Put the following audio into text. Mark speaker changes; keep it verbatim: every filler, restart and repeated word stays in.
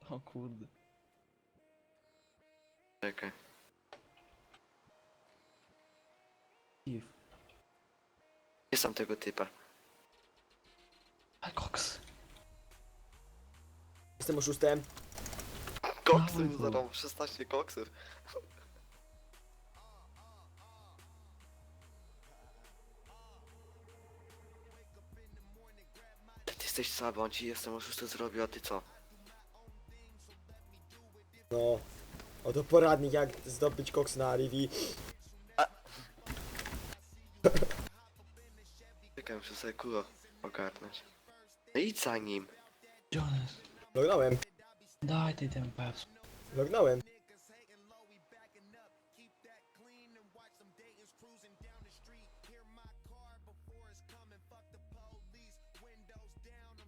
Speaker 1: O kurde.
Speaker 2: Czekaj.
Speaker 1: Steve.
Speaker 2: Nie sam tego typa.
Speaker 1: A koks.
Speaker 3: Jestem oszustem.
Speaker 2: Koksy
Speaker 1: Dawaj
Speaker 2: mi
Speaker 1: tu.
Speaker 2: zarobił, szesnaście koksów. Ty jesteś słaby, on ci jestem oszustem zrobił, a ty co?
Speaker 3: No. Oto poradnik jak zdobyć koks na Rivi.
Speaker 2: Czekaj, muszę sobie kulo ogarnąć. No idź za nim.
Speaker 1: Jonas.
Speaker 3: Lognąłem.
Speaker 1: Daj tej ten peps.
Speaker 3: Lognąłem.